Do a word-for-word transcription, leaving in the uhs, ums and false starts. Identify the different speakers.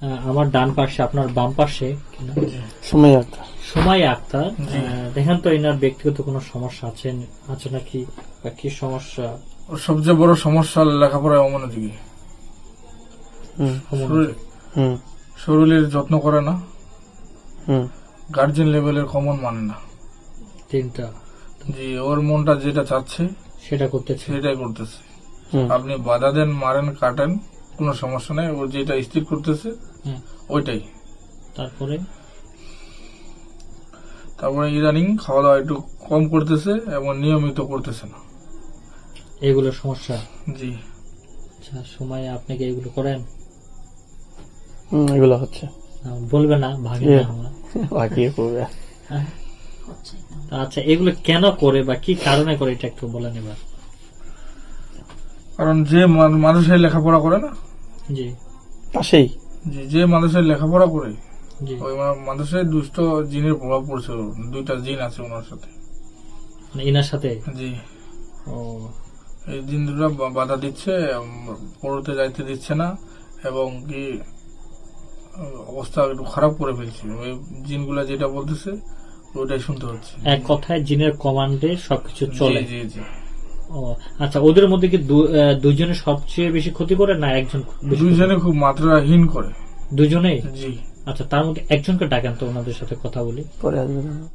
Speaker 1: আমার ডান পাশে, আপনার বাম পাশে
Speaker 2: সময় আক্তার।
Speaker 1: সময় আক্তার, দেখেন তো এনার ব্যক্তিগত কোনো সমস্যা আছে আছে নাকি, বা কি সমস্যা?
Speaker 3: ওর সবচেয়ে বড় সমস্যা লেখাপড়ায় অমনোযোগী, শরীরের যত্ন করে না, গার্জেন লেভেলের কমন মানে না।
Speaker 1: তিনটা
Speaker 3: জি, ওর মনটা যেটা চাচ্ছে
Speaker 1: সেটা করতেছে,
Speaker 3: সেটাই করতেছে। আপনি বাধা দেন, মারেন, কাটেন, কোনো সমস্যা নেই, ও যেটা স্থির করতেছে ওইটাই।
Speaker 1: তারপরে
Speaker 3: তারপরে ইদানিং খাওয়া দাওয়া একটু কম করতেছে এবং নিয়মিত করতেছে না,
Speaker 1: এগুলো সমস্যা।
Speaker 3: জি।
Speaker 1: আচ্ছা, সময় আপনি কি এগুলো করেন?
Speaker 2: এগুলো হচ্ছে,
Speaker 1: বলবে না ভাগে না আমার
Speaker 2: বাকি করবে।
Speaker 1: আচ্ছা, এগুলো কেন করে বা কি কারণে করে এটা একটু বলেন এবার।
Speaker 3: কারণ যে মানুষের লেখাপড়া করে না,
Speaker 1: জি
Speaker 2: পাশেই,
Speaker 3: জি, যে মানুষের লেখাপড়া করে
Speaker 1: জি,
Speaker 3: ওই মানুষের দুষ্ট জিনের প্রভাব পড়ছে। দুইটা জিন আছে ওনার সাথে,
Speaker 1: মানে এনার সাথে।
Speaker 3: জি।
Speaker 1: ও,
Speaker 3: এই জিন দুটো বাধা দিচ্ছে, পড়তে যাইতে দিচ্ছে না, এবং কি অবস্থা একটু খারাপ করে ফেলছে। ওই জিনগুলা যেটা বলতেছে ওইটাই শুনতে হচ্ছে।
Speaker 1: এক কথায় জিনের কমান্ডে সবকিছু চলে।
Speaker 3: জি জি।
Speaker 1: ও আচ্ছা, ওদের মধ্যে কি দুইজনে সবচেয়ে বেশি ক্ষতি করে না একজন?
Speaker 3: দুইজনে খুব মাত্রাহীন করে,
Speaker 1: দুজনেই।
Speaker 3: জি।
Speaker 1: আচ্ছা, তার মধ্যে একজনকে ডাকেন তো ওনাদের সাথে কথা বলি।
Speaker 2: পরে আসবে।